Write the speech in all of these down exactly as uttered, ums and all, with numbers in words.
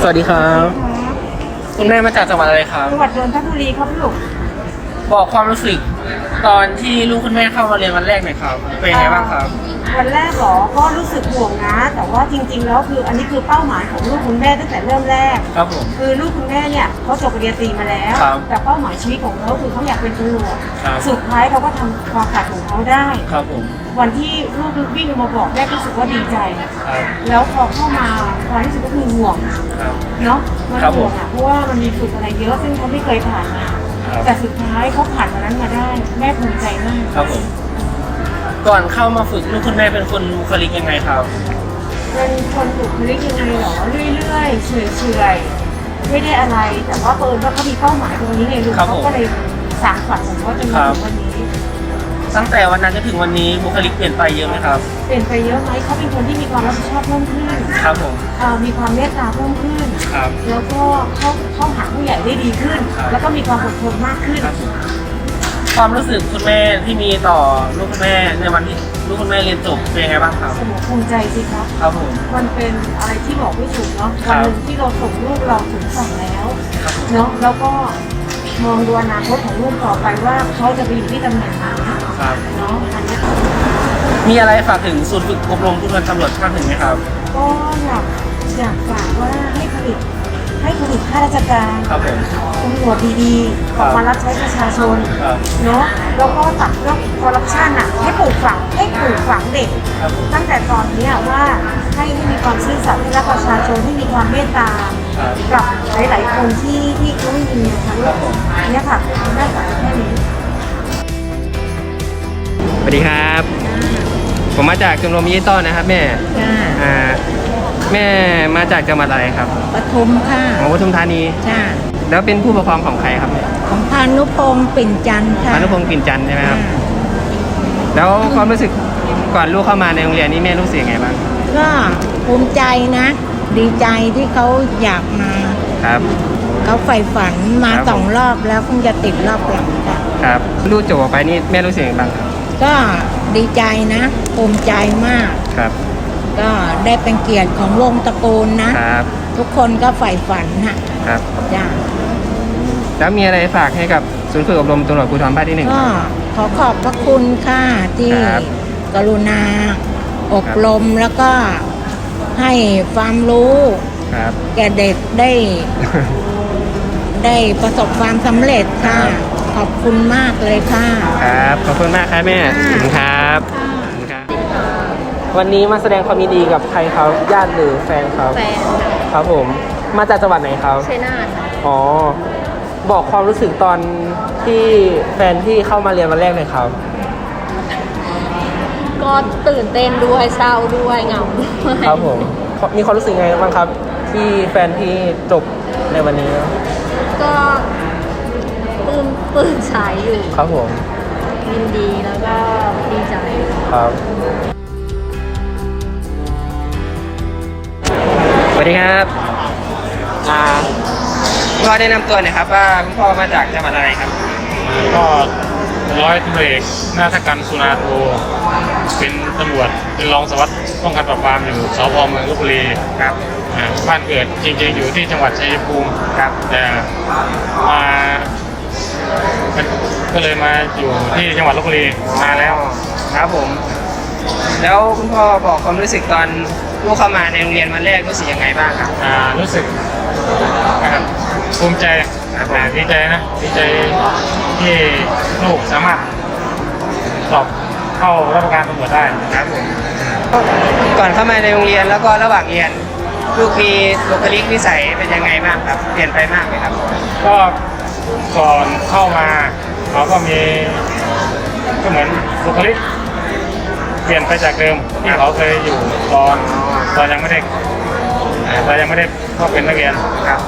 สวัสดีครับคุณแม่มาจากจังหวัดอะไรครับจังหวัดนนทบุรีครับลูกบอกความรู้สึกตอนที่ลูกคุณแม่เข้ามาเรียนวันแรกหน่อยครับเป็นยังไงบ้างครับวันแรกหรอก็รู้สึกห่วงนะแต่ว่าจริงๆแล้วคืออันนี้คือเป้าหมายของลูกคุณแม่ตั้งแต่เริ่มแรกครับผมคือลูกคุณแม่เนี่ยเขาจบปริญญาตรีมาแล้วแต่เป้าหมายชีวิตของเขาคือเขาอยากเป็นตำรวจสุดท้ายเขาก็ทำความฝันของเขาได้ครับผมวันที่ลูกวิ่งมาบอกแม่รู้สึกว่าดีใจแล้วพอเข้ามาความรู้สึกก็คือห่วงเนาะมันห่วงอ่ะเพราะว่ามันมีฝึกอะไรเยอะซึ่งเขาไม่เคยผ่านมาแต่สุดท้ายเขาผ่านวันนั้นมาได้แม่ภูมิใจมากครับผมก่อนเข้ามาฝึกลูกคุณแม่เป็นคนบุคลิกยังไงครับเป็นคนบุคลิกยังไงหรอเรื่อยๆเฉยๆไม่ได้อะไรแต่ว่าเปิดว่าเขามีเป้าหมายตรงนี้ไงลูกเขาก็เลยสานฝันของเขาจนมาถึงวันนี้ตั้งแต่วันนั้นจนถึงวันนี้บุคลิกเปลี่ยนไปเยอะไหมครับเปลี่ยนไปเยอะไหมเขาเป็นคนที่มีความรับผิดชอบเพิ่มขึ้นครับผมมีความเมตตาเพิ่มขึ้นครับแล้วก็เข้าเข้าหาผู้ใหญ่ได้ดีขึ้นแล้วก็มีความอดทนมากขึ้นความรู้สึกคุณแม่ที่มีต่อลูกคุณแม่ในวันที่ลูกคุณแม่เรียนจบเป็นยังไงบ้างครับภูมิใจสิครับครับผมมันเป็นอะไรที่บอกไม่ถูกเนาะวันหนึ่งที่เราส่งลูกเราถึงฝั่งแล้วเนาะแล้วก็มองดูอนาคตของลูกต่อไปว่าเขาจะไปอยู่ที่ตำแหน่งไหนเนาะอันนี้มีอะไรฝากถึงศูนย์ฝึกอบรมผู้บัญชาการตำรวจภาคหนึ่งไหมครับก็อยากอยากฝากว่าให้ผลิตให้ผลิตข้าราชการตำรวจดีๆออกมารับใช้ประชาชนเนาะแล้วก็ตัดเรื่องคอร์รัปชันอ่ะให้ปลูกฝังให้ปลูกฝังเด็กตั้งแต่ตอนนี้ว่าให้ให้มีความซื่อสัตย์ให้รักประชาชนให้มีความเมตตากับหลายๆคนที่ที่เขาไม่มีนะคะเนี่ยค่ะได้จากแค่นี้สวัสดีครับผมมาจากชมรมยี่ต้อนนะครับแม่อ่าแม่มาจากจังหวัดอะไรครับปทุมค่ะของปทุมธานีจ้าแล้วเป็นผู้ปกครองของใครครับของพานุพงศ์ปิ่นจันทร์ค่ะพานุพงศ์ปิ่นจันทร์ใช่ไหมครับแล้วความรู้สึกก่อนลูกเข้ามาในโรงเรียนนี้แม่รู้สึกยังไงบ้างก็ภูมิใจนะดีใจที่เขาอยากมาครับเขาใฝ่ฝันมาสองรอบแล้วคงจะติดรอบหลังค่ะครับลูกจบออกไปนี่แม่รู้สึกยังไงบ้างก็ดีใจนะภูมิใจมากครับก็ได้เป็นเกียรติของวงตระกูลนะครับทุกคนก็ใฝ่ฝันนะครับจ้าแล้วมีอะไรฝากให้กับศูนย์ฝึกอบรมตำรวจภูธรภาคที่หนึ่งก็ขอขอบพระคุณค่ะที่กรุณาอบรมแล้วก็ให้ความรู้แก่เด็กได้ได้ประสบความสำเร็จค่ะขอบคุณมากเลยค่ะครับขอบคุณมากครับแม่ขอบคุณครับวันนี้มาแสดงความยินดีกับใครครับญาติหรือแฟนครับแฟนครับผมมาจากจังหวัดไหนครับชัยนาทอ๋อบอกความรู้สึกตอนที่แฟนที่เข้ามาเรียนวันแรกเลยครับก็ตื่นเต้นด้วยเศร้าด้วยเหงาด้วยครับผมมีความรู้สึกไงบ้างครับที่แฟนที่จบในวันนี้ก็ปลื้มปลื้มใจอยู่ครับผมยินดีแล้วก็ดีใจครับสวัสดีครับอ่าพ่อได้นำตัวหน่อยครับว่าคุณพ่อมาจากจังหวัดอะไรครับก็ร้อยตำรวจเอกนาฏกันสุนาโทเป็นตำรวจเป็นรองสารวัตรป้องกันปราบปรามอยู่สพเมืองลพบุรีครับบ้านเกิดจริงๆอยู่ที่จังหวัดชัยภูมิครับแต่มาก็เลยมาอยู่ที่จังหวัดลพบุรีมาแล้วครับผมแล้วคุณพ่อบอกความรู้สึกตอนลูกเข้ามาในโรงเรียนวันแรกรู้สึกยังไงบ้างครับอ่ารู้สึกภูมิใจดีใจนะดีใจที่ลูกสามารถสอบเข้ารับราชการตำรวจได้ครับผมก่อนเข้ามาในโรงเรียนแล้วก็ระหว่างเรียนลูกมีบุคลิกนิสัยเป็นยังไงบ้างครับเปลี่ยนไปมากไหมครับก็ก่อนเข้ามาเขาก็มีก็เหมือนบุคลิกเปลี่ยนไปจากเดิมที่เขาเคยอยู่ตอนตอนยังไม่ได้ตอนยังไม่ได้เข้าเป็นนักเรียนครับ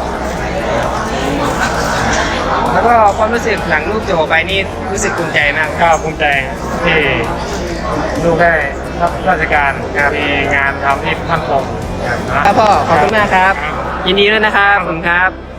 แล้วก็ความรู้สึกหลังลูกจบไปนี่รู้สึกภูมิใจมากก็ภูมิใจที่ลูกได้รับราชการมีงานทำที่มั่นคงครับพ่อขอบคุณมากครับยินดีด้วยนะครับขอบคุณครับ